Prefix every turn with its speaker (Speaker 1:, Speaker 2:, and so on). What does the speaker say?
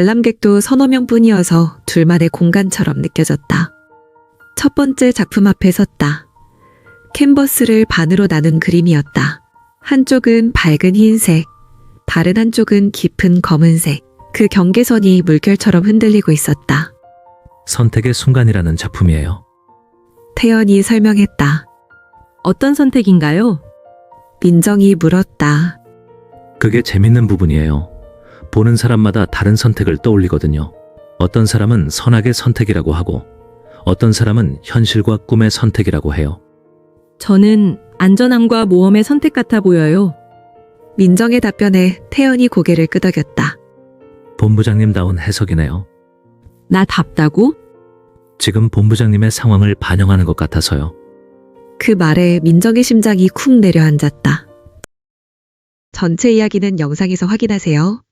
Speaker 1: 관람객도 서너 명뿐이어서 둘만의 공간처럼 느껴졌다. 첫 번째 작품 앞에 섰다. 캔버스를 반으로 나눈 그림이었다. 한쪽은 밝은 흰색, 다른 한쪽은 깊은 검은색. 그 경계선이 물결처럼 흔들리고 있었다.
Speaker 2: 선택의 순간이라는 작품이에요.
Speaker 1: 태연이 설명했다.
Speaker 3: 어떤 선택인가요?
Speaker 1: 민정이 물었다.
Speaker 2: 그게 재밌는 부분이에요. 보는 사람마다 다른 선택을 떠올리거든요. 어떤 사람은 선악의 선택이라고 하고 어떤 사람은 현실과 꿈의 선택이라고 해요.
Speaker 3: 저는 안전함과 모험의 선택 같아 보여요.
Speaker 1: 민정의 답변에 태연이 고개를 끄덕였다.
Speaker 2: 본부장님다운 해석이네요.
Speaker 3: 나 답다고?
Speaker 2: 지금 본부장님의 상황을 반영하는 것 같아서요.
Speaker 1: 그 말에 민정의 심장이 쿵 내려앉았다. 전체 이야기는 영상에서 확인하세요.